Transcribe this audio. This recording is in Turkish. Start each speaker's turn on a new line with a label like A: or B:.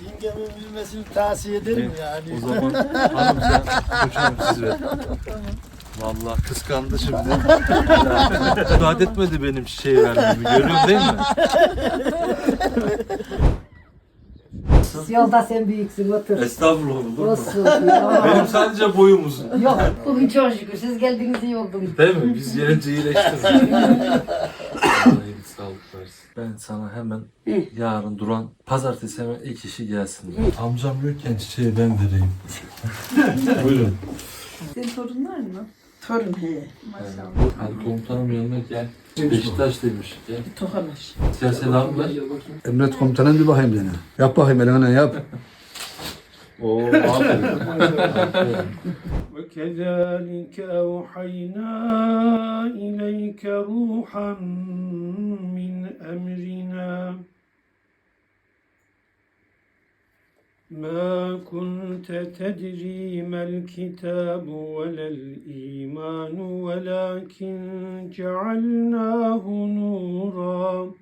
A: Yengemin bilmesini tavsiye ederim yani.
B: O zaman hanım sen koçum siz ver. Vallahi kıskandı şimdi. Müsaade etmedi benim çiçeği vermemi. Görüyorsun değil mi?
C: Yolda sen büyüksün, otur.
B: Estağfurullah olur mu?
C: Olsun ya.
B: Benim sadece boyum uzun.
C: Yok, bugün çok şükür. Siz geldiniz iyi oldunuz.
B: Değil mi? Biz gelince iyileştirdik. Allah iyilik sağlık versin. Ben sana hemen yarın Duran pazartesi hemen ilk işi gelsin. Amcam yokken çiçeği ben vereyim. Buyurun.
D: Senin torunlar mı?
E: Torun he.
D: Maşallah.
B: Hadi komutanım yanına gel. Beşiktaş'taymış. Gel.
E: Tokamış.
B: Size selam ver.
F: Emret komutanım bir bakayım dene. Yap bakayım eline yap.
B: Oo, aferin.
G: وكذلك أوحينا إليك روحا من أمرنا ما كنت تدري ما الكتاب ولا الإيمان ولكن جعلناه نورا